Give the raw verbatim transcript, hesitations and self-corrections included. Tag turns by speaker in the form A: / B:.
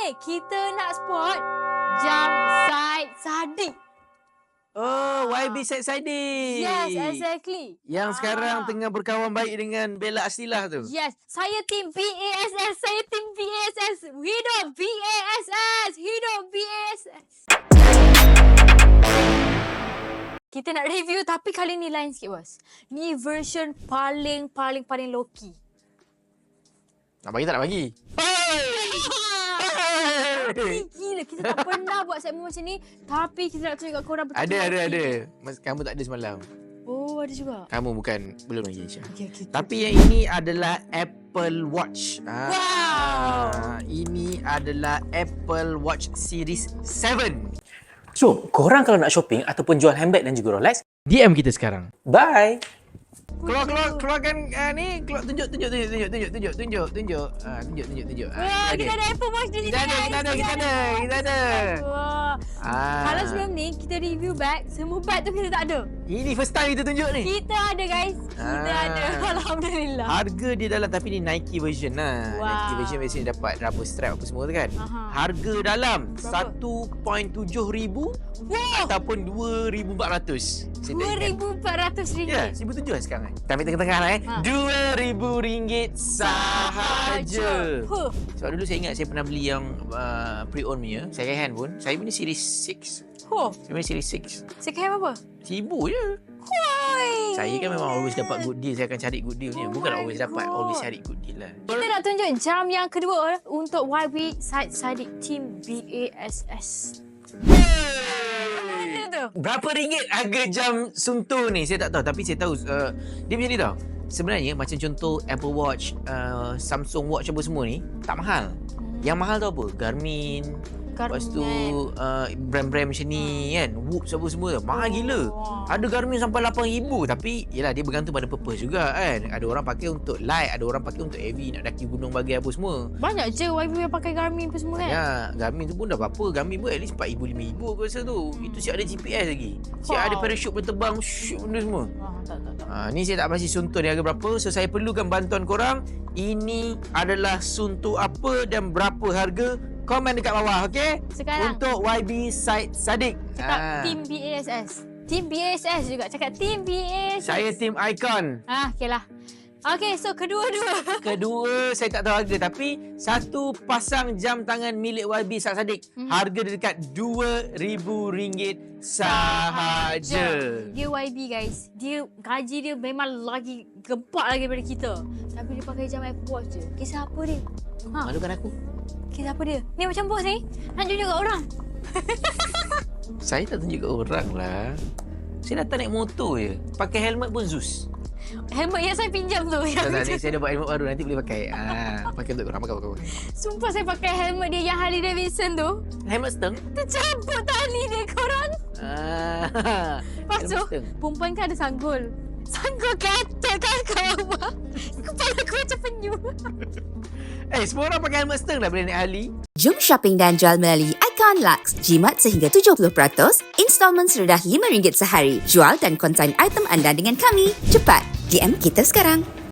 A: kita nak spot jam Said Saddiq.
B: Oh, Y B Said Saddiq.
A: Yes, exactly.
B: Yang
A: Ah.
B: sekarang tengah berkawan baik dengan Bella Astilah tu.
A: Yes, saya tim B A S S. Saya tim B A S S. Hidup B A S S. Hidup B A S S. Kita nak review tapi kali ni lain sikit, bos. Ni version paling paling paling low key.
B: Nak bagi tak nak bagi?
A: Tapi gila, kita tak pernah buat segmen macam ni. Tapi kita nak tunjuk kat korang betul.
B: Ada, ada, ada. Mas, kamu tak ada semalam.
A: Oh, ada juga.
B: Kamu bukan, belum lagi Aisyah.
A: Okay, okay, okay.
B: Tapi yang ini adalah Apple Watch. Ah,
A: Wow.
B: Ini adalah Apple Watch Series tujuh.
C: So, korang kalau nak shopping ataupun jual handbag dan juga Rolex,
B: D M kita sekarang.
C: bye!
B: Keluar, keluar, keluarkan uh, ni. Keluar, tunjuk, tunjuk, tunjuk, tunjuk, tunjuk, tunjuk, tunjuk, tunjuk. Ah, tunjuk, tunjuk, tunjuk. Ah,
A: Wah,
B: ini
A: kita
B: dia.
A: ada Apple Watch di sini.
B: Kita ada,
A: guys.
B: kita ada, kita ada, kita ada.
A: Wah.
B: Ah.
A: Kalau sebelum ni, kita review bag. Semua bag tu kita tak ada.
B: Ini first time kita tunjuk ni.
A: Kita ada, guys. Kita
B: Ah.
A: ada. Alhamdulillah.
B: Harga dia dalam, tapi ni Nike version lah.
A: Wow.
B: Nike version biasanya dapat rubber strap apa semua tu kan.
A: Aha.
B: Harga dalam
A: Berapa?
B: satu perpuluhan tujuh ribu
A: Wow.
B: ataupun dua ribu empat ratus. Saya tak
A: dua
B: ingat.
A: ribu empat ratus
B: Ya,
A: ringgit.
B: seribu tujuh lah sekarang. Tapi tengah-tengah lah eh.
A: Ha.
B: Dua ribu ringgit sahaja.
A: Huh.
B: Sebab dulu saya ingat saya pernah beli yang uh, pre-owned punya. Second hand pun. Saya punya series enam.
A: Huh.
B: Saya punya series enam.
A: Second hand apa?
B: Seribu je.
A: Hoi.
B: Saya kan memang always dapat good deal. Saya akan cari good deal ni.
A: Oh
B: Bukan
A: my
B: always dapat.
A: God.
B: Always cari good deal lah.
A: Kita nak tunjuk jam yang kedua untuk Y B Said Saddiq Team B A S S. Mana tu?
B: Berapa ringgit harga jam Sunto ni? Saya tak tahu. Tapi saya tahu uh, dia macam ni tau. Sebenarnya macam contoh Apple Watch, uh, Samsung Watch apa semua ni tak mahal. Yang mahal tu apa? Garmin. Lepas tu uh, brand-brand macam ni kan, Whoops apa semua tu. Mahal gila.
A: Wow.
B: Ada Garmin sampai lapan ribu. Tapi yelah, dia bergantung pada purpose juga kan. Ada orang pakai untuk light, ada orang pakai untuk heavy, nak daki gunung bagi apa semua.
A: Banyak je Y B yang pakai Garmin apa semua kan?
B: Ya, Garmin tu pun dah berapa? Garmin pun at least empat ribu, lima ribu aku rasa tu. Itu siap ada G P S lagi. Siap
A: Wow.
B: ada parachute berterbang, shoot benda semua.
A: Ah, tak, tak, tak.
B: Ha, ni saya tak pasti Sunto ni harga berapa. So saya perlukan bantuan korang. Ini adalah Sunto apa dan berapa harga? Komen dekat bawah, okey?
A: Sekarang.
B: Untuk Y B Said Saddiq.
A: Cakap
B: Ah.
A: Team B A S S. Team B A S S juga. Cakap Team B A S S.
B: Saya tim Icon.
A: Ah, okey lah. Okey, so kedua-dua.
B: Kedua, saya tak tahu harga. Tapi satu pasang jam tangan milik Y B Said Saddiq.
A: Hmm.
B: Harga dia dekat dua ribu ringgit sahaja.
A: Dia Y B guys. Dia gaji dia memang lagi gempak lagi daripada kita. Tapi dia pakai jam Apple Watch je. Kisah apa dia? Ha,
B: Malukan aku.
A: kisah apa dia? Ni macam bos ni. Nak tunjuk kat orang.
B: Saya tak tunjuk kat orang lah. Saya datang naik motor je. Pakai helmet pun Zeus.
A: Helmet yang saya pinjam tu.
B: Tak,
A: Yang
B: tak,
A: macam-
B: ni saya dapat helmet baru. Nanti boleh pakai. Ah, pakai untuk korang. Pakai, pakai, pakai.
A: Sumpah saya pakai helmet dia yang Harley Davidson tu.
B: Helmet steng.
A: Tercabut tali dia korang.
B: Ah,
A: Lepas tu,
B: helmet steng.
A: perempuan kan ada sanggul. Sanggul katil kan kat bawah. Kepala aku macam penyu.
B: Eh, semua orang pakai helmet steng dah bila naik Harley.
D: Jom shopping dan jual melalui Icon Lux. Jimat sehingga tujuh puluh peratus, installment serendah lima ringgit sehari. Jual dan konsign item anda dengan kami. Cepat, D M kita sekarang.